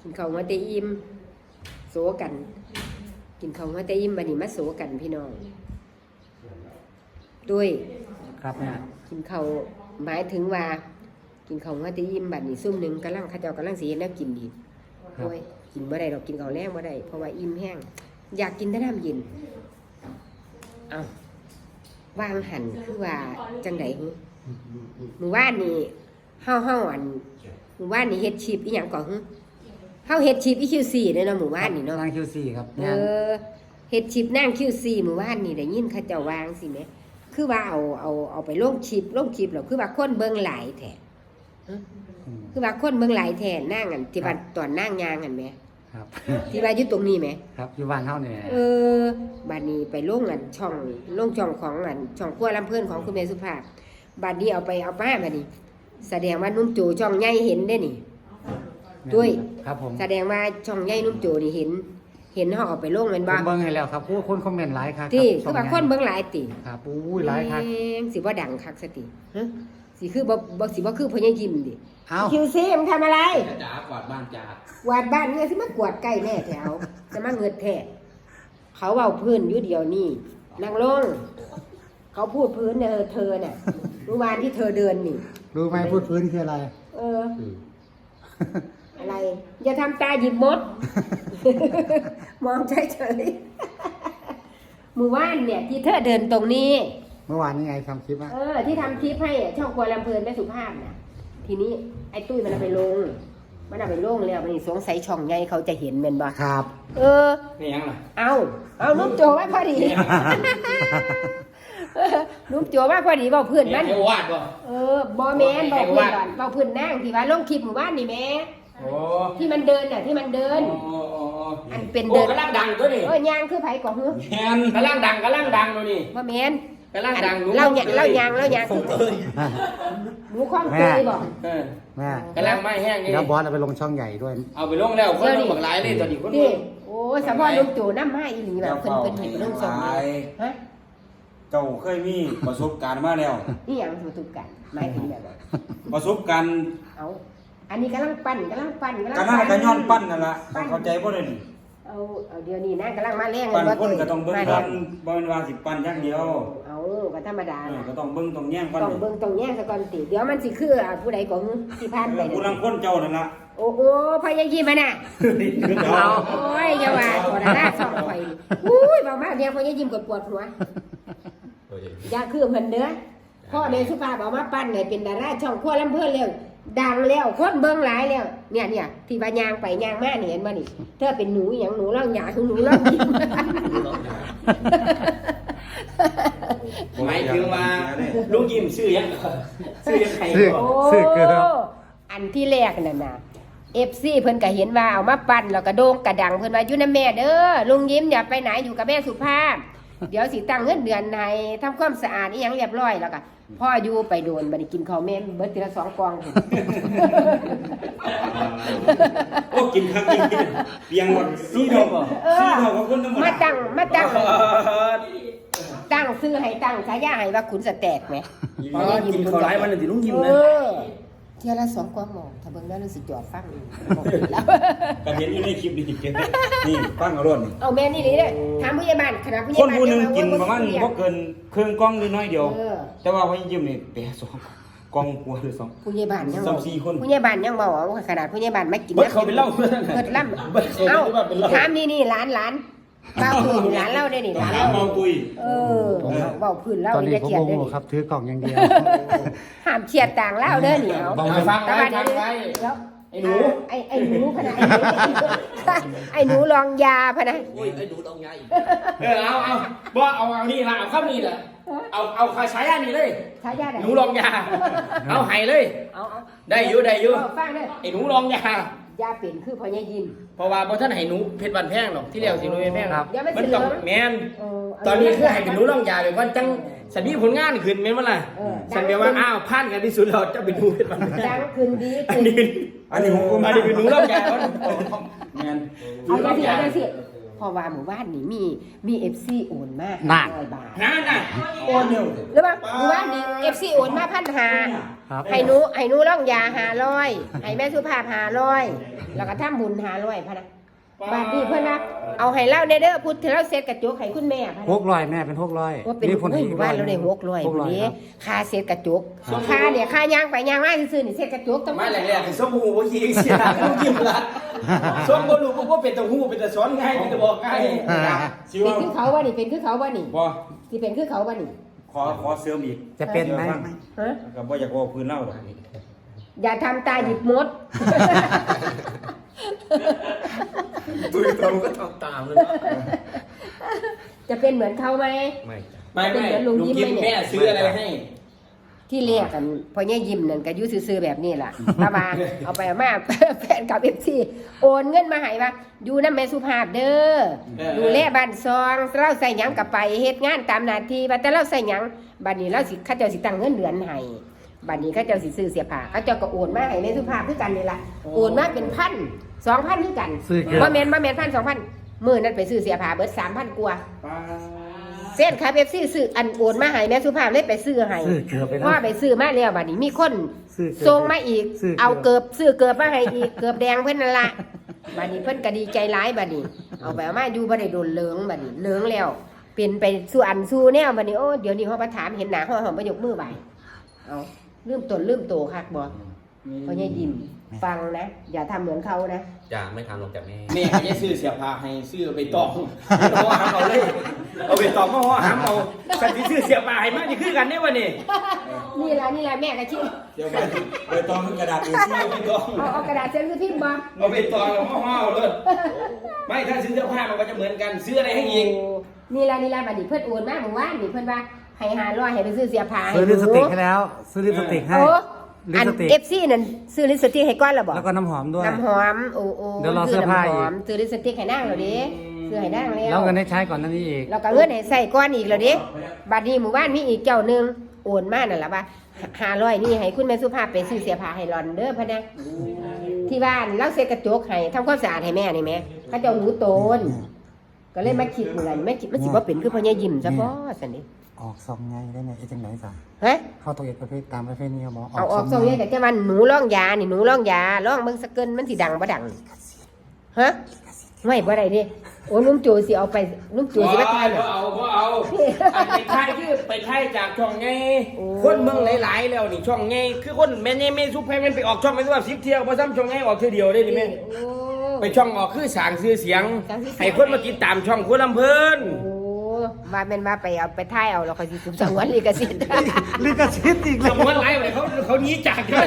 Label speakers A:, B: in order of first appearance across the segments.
A: กินข้าวหัวเตอิ่มโสกันกินข้าวหัวเตอิ่มบัดนี้มาโสกันพี่น้องด้วย
B: ครับแม่
A: กินข้าวหมายถึงว่า กินข้าวหัวเตอิ่มบัดนี้ซุ่มหนึงกำลังเขาเจ้ากำลังสิเฮ็ดแนวกินอีกโอ้ยกินบ่ได้ดอกกินข้าวแรงบ่ได้เพราะว่าอิ่มแห้งอยากกินแต่น้ำเย็นเอ้าวางหันคือว่าจังได๋หึมื้อวานนี้เฮาอันมื้อวานนี้เฮ็ดชีพอีหยังก่อนหึเฮาเฮ็ดชีพอีคิวซีเด้อเนาะมื้อวานนี้เนาะ
B: นางคิวซี่ครับ
A: เฮ็ดชิปนั่งคิวซีมื้อวานนี่ได้ยินเขาเจ้าวางสิแหมคือว่าเอาไปลงชิปแล้วคือว่าคนเบิ่งหลายแท้คือว่าคนเบิ่งหลายแท้นั่งอันที่ว่าตอนนั่งยางอันแหม
B: ครับ
A: ที่ว่าอยู่ตรงนี้แหม
B: ครับอยู่บ้านเฮาเนี่ย
A: บัดนี้ไปลงอันช่องของอันช่องครัวลำเพิ่นของคุณแม่สุภาพบัดนี้เอามาบัดนี้ แสดงว่านุ่มโจช่องใหญ่เห็นได้นี่ด้วย
B: ครับผม
A: แสดงว่าช่องใหญ่นุ่มโจนี่เห็นเฮาเอาไปลงแม่น
B: ผ
A: บ่
B: มเบิ่งให้แล้วครับคนคอมเมนต์หลายครับ
A: ที่คือว่าคนเบิ่งหลายติ
B: ครับอุ้ยหลายครับ
A: สิบ่ดังคักสติฮะสิคือบ่สิบ่คือพ่อใหญ่ยิ้มดิ
B: เอ้า
A: คิวซีมันทำอะไร
C: จ๋ากวาดบ้านจ๋าก
A: วาดบ้านเนี่ยสิมากวาดใกล้แม่แถวจะมาเงิดแท้เขาเว้าพื้นอยู่เดียวนี่นั่งลงเขาพูดพื้นเนี่ยเธอน่ะเมื่อวานที่เธอเดินนี่
B: รู้ไหมพูดพื้นคืออะไร
A: อะไรอย่าทำตาหยิบมด มองเฉยๆมือว่านเนี่ยที่เธอเดินตรงนี้
B: เมื่อวานนี้ไงทำคลิปอ่ะ
A: ที่ทำคลิปให้ช่องครัวลำเพลินแม่สุภาพน่ะทีนี้ไอ้ตุ้ยมันเอาไปลงแล้วมันนี่สงสัยช่องใหญ่เขาจะเห็นแม่นบ่
B: ครับ
C: นี่ยังล่ะ
A: เอานุ่มโจไว้พอดี นุ่มโจว่าพอดีเว้าเพื่อนมัน
C: ให้วาดบ่
A: บ่แม่นเว้าเพื่อนก่อนเว้าเพื่อนนั่งที่ว่าลงคลิปหมู่บ้านนี่แม่
C: โอ้
A: ที่มันเดินน่ะที่มันเดิน อันเป็น
C: โอ้
A: เดิน
C: กำลังดังตัวนี่
A: ย่างคือไผก่อหือ
C: แมนกำลังดังตัวนี่
A: บ่แม่น
C: กำลังดัง
A: เล่ายางคือหนูข้องเตยบ่
B: แม่
C: กำลังไม่แห้งนี่
B: แล้วบอสเอาไปลงช่องใหญ่ด้วย
C: เอาไปลงแล้วคนลงบักหลายเลยตอนนี้คน
A: นี่โอ้ยสะพอนุ่มโจน้ำให้อีหลีแบบเพิ่นเห็นเรื่องสองฮะ
D: เจ้าเคยมีประสบการณ์มาแล้ว
A: นี่หยังถูกกันหมายถึงแบบ
D: ประสบการณ์
A: เอาอันนี้กำลังปั่น
D: กันน่ากันย้อนปั้นนั่นล่ะต้องเข้าใจบ่ได้นี่
A: เอาเดี๋ยวนี้นะกำลังมาแรง
D: ปั้น
A: บ่
D: คนก็ต้องเบิ่งก่อนบ่แม่นว่าสิปั้นอย่างเดียว
A: เอาก็ธรรมดา
D: ก็ต้องเบิ่งต้องแย่งปั้น
A: ต้องเบิ่งต้องแย่งซะก่อนติเดี๋ยวมันสิคือผู้ใดก็ที่ผ่านไป
D: ผู้ลังคนเจ้านั่นล่ะ
A: โอ้โหพยายามมาน่ะโอ้ยอย่าว่าขอหน้าสองข่อยอุ้ยเบามากเนี่ยพยายามกดปวดหัวอย่าคือเพิ่นเด้อพ่อแม่สุภาพเอามาปั้นให้เป็นดาราช่องครัวลำเพิ่นแล้วดังแล้วคนเบิ่งหลายแล้วเนี่ยที่ว่ายางไปยางมานี่เห็นบ่นี่เธอเป็นหนูหยังหนูร้องหยาหนูร้องยิ้ม
C: หมายถึงว่าลุงยิ้มชื่อยังชื่อยังใคร
B: ชื่อ
C: บ่
B: เกือบ
A: อันที่แรกนั่นน่ะ FC เพิ่นก็เห็นว่าเอามาปั้นแล้วก็โด่งกระดังเพิ่นว่าอยู่นำแม่เด้อลุงยิ้มอย่าไปไหนอยู่กับแม่สุภาพ เดี๋ยวสิตั้งเงินเดือนให้ทำความสะอาดอีหยังเรียบร้อยแล้วก็พ่ออยู่ไปโดนบัดนี้กินข้าวแม่เบิดทีละ2กล่อง
D: โอ้กินครับกินเปียงหมด4ดอก4ดอกกับคนธรรมดา
A: มาตั้งซื้อให้ตั้งฉายาให้ว่าขุนสแตกไหม
C: กินข้าวไรมันถึงลุงยิ้มนะ
A: เที่ยวละ2กล่องหมอถ้าเบิ่งแล้วรู้สึกจอดฟังบอกผิดแล้ว
D: ก็เห็นอยู่ในคลิปนี่นี่ฟังเอารถนี่
A: เอาแม่นี่เลยถามผู้ใหญ่บ้านขนาดผู้ใหญ่
D: คน
A: บ้าน
D: ผู้หนึงกินประมาณบ่เกินครึ่งกล่องหรือน้อยเดียว แต่ว่าพอยิ้มนี่แปะ2กล่องกว่าหรือ2
A: ผู้ใหญ่บ้านยัง
D: 3-4คน
A: ผู้ใหญ่บ้านยังเมาเอาขนาดผู้ใหญ่บ้านไม่กิน
C: เบิดเขาเป็นเหล้า
A: เบิดล่ำเอาถามนี่ร้านบ้าพื้นร้านเล่าได้นี่ร้าน
D: ถาม
A: เล่า
D: เมาตุย
A: เบาพื้นเล่า
B: ตอน
A: นี่
B: นี้
A: จะ
B: ผม
A: เขียน
B: โม
A: ได้
B: โห
A: นี่
B: ครับถือกล่องอย่างเดียว
A: ห้ามเขียดต่างเล่าเด้อนี่เอา
C: ฟังไว้
A: แล้ว
C: ไอ้หนู
A: ไอ้หนูพะนะไอ้หนูลองยาพะนะ
C: โอ้ยไอ้หนูต้องไงเอาบ่เอานี่ละเอาข้ามนี่แหละเอาคาใช้อันนี้เลย
A: ฉายาไหน
C: หนูลองยาเอาไห้เลย
A: เอา
C: ได้อยู่
A: ฟังเด้อ
C: ไอ้หนูลองยาย
A: าเป็นคือพ่อใหญ่ยิน
C: เพราะว่าบ่ท่านให้หนูเพชรบันแพงหรอกที่เรียกสิหนูแพง
B: ครับ
A: เดี๋ยวมัน
C: มัน
A: สิ
C: ต้อง
A: เหลือง
C: แม่นตอนนี้คือให้เป็นหนูลองยาไปก่อนจังสันมีผลงานขึ้นแม่นบ่ล่ะสันแปลว่าอ้าวผ่านกันที่สุดแล้วจะเป็นหนูเพชรบันแพ
A: ดั
C: ง
A: งขึ้นดี
C: อั
A: ขึ้
C: น
A: น
C: นี้
D: อันนี้ผม
C: อันนี้เป็นหนูลองยาก่อน
D: แม่น
A: เอาจังสิเพราะว่าหมู่บ้านนี่มี FC โอนมา
B: นั่น
A: 500 บาท
C: นั่นน่ะ
A: โอนหรือว่าหมู่บ้านนี่ FC โอนมา
B: ครับ
A: 1,500ให้หนูร่องยา500ให้แม่สุภาพ500แล้วก็ทำบุญ500พะนะบาทนี้เพิ่นว่าเอาให้เล่าเด้อพุทธเราเสร็จกระจกให้คุณแม่พะนะ
B: 600แม่เป็น600
A: ว่าเป็น
B: มีคน
A: เฮ้ย
B: อีก
A: บ้านเราได้600
B: 600
A: พุ่นนี้
B: ครับ
A: ค่าเสร็จกระจกค่าเนี่ยค่าย่างไปย่างมาซื่อๆนี่เสร็จกระจกต้อง
C: มาแรกๆคือส้มหูบ่ยิงเสียลูกยิ้มละส้มบ่รู้บ่เป็นตะหูเป็นตะสอนง่ายเป็นตะบอกง่ายสิ
A: เป็น
C: ว่า
A: คือเขาว่านี่เป็นคือเขาว่านี่
D: บ่
A: สิเป็นคือเขาว่านี่
D: ขอเสริมอีก
B: จะเป็นไหม
A: ฮะ
D: ก็บ่อยากเว่าพื้นเล่าดอก
A: อย่าทำตาหยิบมด
C: ดูตรงก็ต้องตามเลย
A: จะเป็นเหมือนเขาไหม
C: ไม่ลุงยิ้มแม่ซื้ออะไรให้
A: ที่เรียกกันพอเนี่ยยิ้มนั่นก็อยุ่ซื่อๆแบบนี้ล่ะป้าบาเอาไปเอามา แฟนกับFCโอนเงินมาให้ว่าอยู่นำแม่สุภาพเด้อดูแลบ้านซองเราใส่หยังกับไปเฮ็ดงานตามหน้าที่ว่าแต่เราใส่หยังบัดนี้เราสิเขาเจ้าสิตั้งเงินเดือนให้บัดนี้เขาเจ้าสิซื้อเสียผ้าเขาเจ้าก็โอนมาให้แม่สุภาพคือกันนี่ล่ะโอนมาเป็น1,000 2,000คือกัน
B: ซื้อเกือบ
A: บ่แม่น1,000 2,000มื้อนั้นไปซื้อเสียผ้าเบิด 3,000 กว่าเส้นครับ FC ซื้ออันโอนมาให้แม่สุภาพเลยไปซื้อให้
B: ซื้อเกือบไป
A: พ่อ
B: แล้ว
A: ไปซื้อมาแล้วบัดนี้มีคน
B: ซื้อเกือบ
A: ส่งมาอีก
B: ซื้อเกือบ
A: เอาเกือบซื้อเกือบมาให้อีกเกือบแดงเพิ่นนั่นล่ะบัดนี้เพิ่นก็ดีใจร้ายบัดนี้ เอาไปเอามาอยู่บ่ได้โดนเหลืองบัดนี้เหลืองแล้วเป็นไปสู่อันสู่แนวบัดนี้โอ้เดี๋ยวนี้เฮามาถามเห็นหน้าเฮาบ่ยกมือไหว้เอาลืมตนลืมโตคักบ่เพราะยายยิ้มฟังนะ อย่าทำเหมือนเขานะ
E: จะไม่ทำลงจากแม่
C: แม่ก็จะซื้อเสียผ้าให้ซื้อไปตองเอาหามเอาเลยเอาไปตองมาหามเอาสันที่ซื้อเสียผ้าให้มาจะคือกันได้วะนี่
A: นี่ล่ะแม่ก็คิด
D: เดี๋ยวไปตองกระดาษเอ
C: เอาไปตอง
A: เอากระดาษเซ็นคือพิมพ์บ่
C: เอาไปตองแล้วห่อๆเลยไม่ถ้าซื้อเสื้อผ้ามันก็จะเหมือนกันซื้ออะไรให้อีก
A: นี่ล่ะบัดนี้เพิ่นโอนมาเมื่อวานนี่เพิ่นว่าให้500ให้ไปซื้อเสียผ้าให้
B: ซื้อลิปสติกให้แล้ว ซื้อลิปสติกให้
A: โอ้
B: ลิ
A: อั
B: ป
A: น
B: สติก
A: FC นั่นซื้อลิปสติกให้ก้อนแล้วบ่
B: แล้วก็น้ำหอมด้วย
A: น้ำหอมโอ้
B: เดี๋ยวรอเสื้อผ้าอีก
A: น้ำหอมซื้อลิปสติกให้นางแล้วดิซื้อให้นางแล้ว
B: แล้วเงินให้ใช้ก่อนหนั้นนี้อีก
A: แล้วก็เงินให้ใส่ก้อนอีกแล้วดิบัดนี้หมู่บ้านมีอีกเจ้าหนึงโอนมานั่นล่ะว่า500นี่ให้คุณแม่สุภาพไปซื้อเสื้อผ้าให้หลอนเด้อพะนะที่บ้านเราเซ็ดกระจกให้ทำความสะอาดให้แม่นี่แม่เขาเจ้ารู้โตนก็เลยมาคิดเหมือนกันไม่คิดมันสิบ่เป็นคือพ่อยายยิ้มซะบ่ซั่นดิ
B: ออกซองไงได้ไหมไอ้จังไหนจ้ะ
A: ฮะ
B: เข้าตัวเอกประเภทตามประเภทนี้ครับหมอ
A: เอาออกส่งเนี่ยแต่จะวันหนูร่องยานี่หนูร่องยาร่องเบิ่งสะเกินมันสิดังบ่ดังฮะไม่บ่ได้ดิโอ้นุ่มโจสิเอาไปนุ่มโจสิมาทาย
C: บ่เอาอันไปไทยคือไปไทยจากช่องไงคนเมืองหลายๆแล้วนี่ช่องไงคือคนแม่ไงแม่ซุปให้มันไปออกช่องไม่รู้ว่า10เที่ยวบ่ซ้ำช่องไงออกเที่ยวเดียวได้นี่แม่
A: โอ้
C: ไปช่องออกคือสร้างชื่อเสียงให้คนมาติดตามช่องคนลำเพิ่น
A: โอ้ว่าแม่นว่าไปเอาไปทายเอาแล้วค่อยสิสุบสังวนลิขสิทธิ์
B: ลิขสิทธิ์อีก
C: ส
B: แล้ว
C: มมติไรไปเขาหนีจากเลย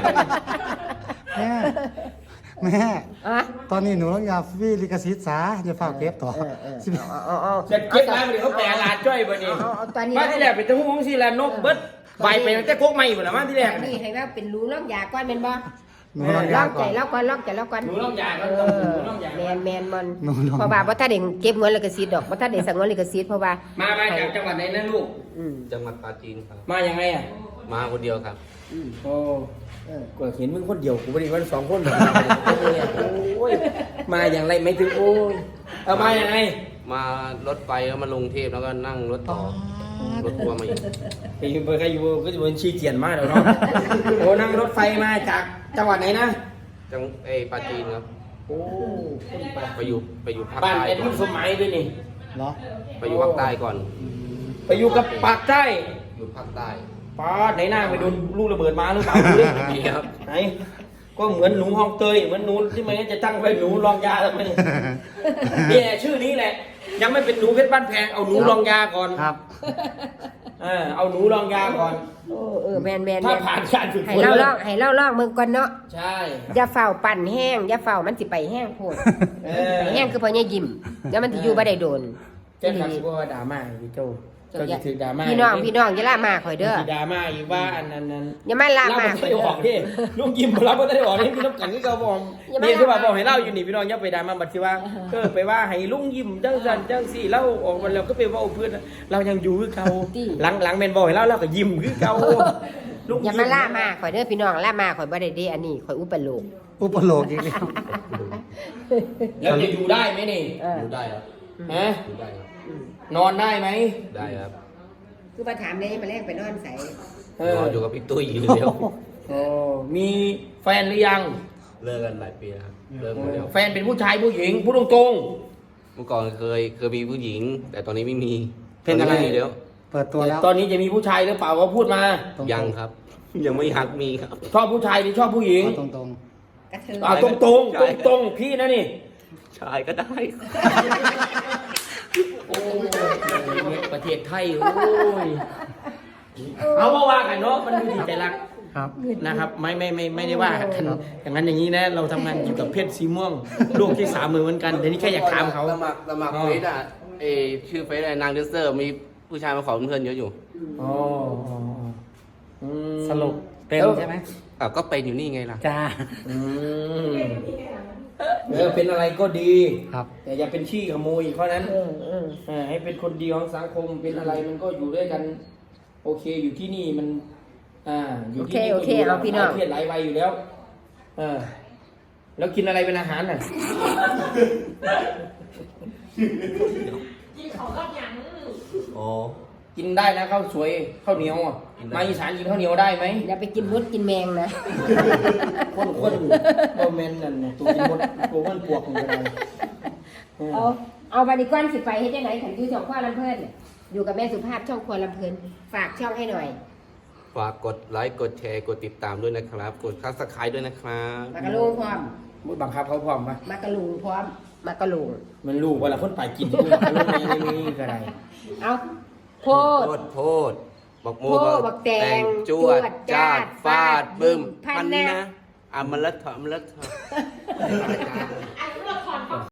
B: แม่
A: อ่ะ
B: ตอนนี้หนูต้องยาฟรีลิขสิทธิ์ซะอย่าฝากเก็บต่อ
A: เอา
C: จะเก็บไว้บ่ได้เขาแปลลาดจ้อยบ่นี่
A: เอาตอนนี้
C: มาที่แรกเป็นตะหูของสิละนกเบิดใบไปตั้งแต่โคกใหม่บ่ล่ะมาที่แรก
A: นี่ให้ว่าเป็นรู้ร่องยาก่อนแม่นบ่
B: หนูต้อง
A: ร่
B: ยา
A: อง
B: ก่
A: ใจ
B: อน
A: แล้วก่อนร่องใจแล้วก่อน
C: หนูร่องยาก่อน
A: เอ
C: หนูร่องยา
A: แมนมัน
B: หนูร่อง
A: เพราะว่าบ่ถ้าได้เก็บเงินลิขสิทธิ์ดอกบ่ถ้าได้สังวนลิขสิทธิ์เพราะว่า
C: มาจากจังหวัดไหนนะลูก
A: อืม
E: จังหวัดปราจีนครับ
C: มายังไงอ่ะ
E: มาคนเดียวครับ
C: โอ้ก็เห็นมึงคนเดียวกูบ่ได้ว่า2คนหรอกโอ้ยมาอย่างไรไม่ถึงโอ้ยเอามายังไง
E: มารถไฟแล้วมาลงเทพแล้วก็นั่งรถต่อรถทัวร์มาอีก
C: ไปอยู่ไปใครอยู่ก็จะเป็นชีเจียนมากแล้วเนาะโอ้นั่งรถไฟมาจากจังหวัดไหนนะ
E: จังปราจีนครับ
C: โอ้
E: ไปอยู่ภาค
C: บ้าน
E: ใต้
C: เป็น
E: ก่อ
C: รุ่
E: น
C: นสมัยด้วยนี่
B: เหรอ
E: ไปอยู่ภาคใต้ก่อน
C: ไปอยู่กับปากใต้
E: อยู่ภาคใต้
C: ป้าไหนหน้าไปโดนลูกระเบิดมาหรือเปล่าดูดิ
E: มีครับ
C: ไหนก็เหมือนหนูห้องเตยเหมือนหนูที่มันจะตั้งไว้หนูรองยาทำไมนี่แหละชื่อนี้แหละ ยังไม่เป็นหนูเพชรบ้านแพงเอาหนูรองยาก่อน
B: ครับ
C: เอาหนูรองยาก่อน
A: โอ้แม่น
C: ถ้าผ่านการฝึก
A: ให้
C: ฝน
A: เล่า
C: แล้
A: ล่อ
C: ว
A: งให้เล่าล่องเมืองก่อนเนาะ
C: ใช่
A: อย่าเฝ้าปั่นแห้งอย่าเฝ้ามันสิไปแห้งโพดไปแห้งคือพ่อยายยิ้มแล้วมันสิอยู่บ่ได้โดน
C: เจ้าครับว่าดราม่าพี่โจเจ้าจะถือดราม่า
A: พี่น้องอย่าล่ามาข่อยเด้อ
C: ถือดราม่าอีกว่าอันนั้น
A: อย่ามาล่า
C: เล่า
A: มา
C: ไม่
A: ข่อย
C: ได้
A: เด้
C: ออก
A: อ
C: ดิลุงยิ้มเราไม่ได้ออกนี่พี่น้ำกันที่เขาบอกนี่คือว่าบอกให้เล่าอยู่นี่พี่น้องอย่าไปดราม่าบัดที่ว่าไปว่าให้ลุงยิ้มจังสันจังสี่เล่าออกมาแล้วก็ไปว่าเพื่อนเรายังอยู่คือเขาหลังแมนบอกให้เล่าเราก็ยิ้มคือเขาลุง
A: อย่ามาล่ามาข่อยเด้อพี่น้องล่ามาข่อยบ่ได้เด้อันนี้ข่อยอุปโลก
B: อุปโลกอีกแล้ว
C: แล้วจะอยู่ได้ไหมนี่
A: เออ
E: อยู่ได้ครับ
C: ฮะ
E: ได้ครับ
C: นอนได้ไหม
E: ได้ครับ
A: คือมาถามได้มาแรกไปนอนใส่
E: นอนอยู่กับพี่ตุ้ยอยู่เดียว
C: โอ้มีแฟนหรือยัง
E: เลิกกันหลายปีแล้วครับเลิกหมดแล้ว
C: แฟนเป็นผู้ชายผู้หญิงพูดตรง
E: เมื่อก่อนเคยมีผู้หญิง แต่ตอนนี้ไม่มี
C: เป็นอะไร
E: ตม่มีแล้ว
B: เปิดตัว
C: ๆ
B: แล้ว
C: ตอนนี้จะมีผู้ชายหรือเปล่าก็พูดมา
B: ตรงๆ
E: ยังครับ ยังไม่อยากมีครับ
C: ชอบผู้ชายหรือชอบผู้หญิง
B: เอาตรง
A: กระเทย
C: ตรงตรงตรงตรงๆพี่นะนี่
E: ชายก็ได้
C: โอ้ยประเทศไทยโอ้ยเอามาว่ากันเนาะมันดูดีใจรัก
B: ๆครับ
C: นะครับไม่ได้ว่ากันอย่างนั้นอย่างนี้นะ เราทำงานเกี่ยวกับเพศสีม่วงลูกที่3มือเหมือนกันแต่นี่แค่อยากถามเขา
E: สมัครเฟซอ่ะชื่อเฟซอะไรนางเดนเซอร์ มีผู้ชายมาขอเป็นเพื่อนเยอะอยู่
C: อ๋ออืม
B: สรุปเป็นใช่ไหม
E: ก็เป็นอยู่นี่ไงล่ะ
B: จ้า
C: อืมเป็นอะไรก็ดี
B: ครับ
C: แต่อย่าเป็นขี้ขโมยเพราะนั้นให้เป็นคนดีของสังคมเป็นอะไรมันก็อยู่ด้วยกัน โอเคอยู่ที่นี่มันอยู่ที่นี่
A: โอเคเอาพี่น้อง
C: เครียดหลายวัยอยู่แล้วแล้วกินอะไรเป็นอาหารน่ะ
E: อ๋อ
C: กินได้นะข้าวสวยข้าวเหนียวอ่ะ
E: กินได้
C: มาอีสานกินข้าวเหนียวได้ไหม
A: อย่าไปกินมดกินแมงนะ
C: คนบ่แม่นนั่นน่ะตัวกินหมดตัวมันปวกมันก็ได้
A: เอาบัดนี้ก่อนสิไปเฮ็ดจังได๋ขันอยู่ช่องครัวลำเพิ่นเนี่ยอยู่กับแม่สุภาพช่องครัวลำเพิ่นฝากช่องให้หน่อย
E: ฝากกดไลค์ กดแชร์ กดติดตามด้วยนะครับ กดซับสไครต์ด้วยนะครับ
A: มากระลุงพร้อม
C: มุดบังคับเขาพร้อมปะ
A: มากระลุงพร้อมมากระลุง
C: มันลูกเวลาคนไปกินที่มันก็ลูกยังไม่มีก็ได้
A: เอาโพด
E: โพดบักโม
A: โพดบักแตง
E: จวด
A: จาด
E: ฟาดบึ้ม
A: พันนะ
E: มันละเถอะ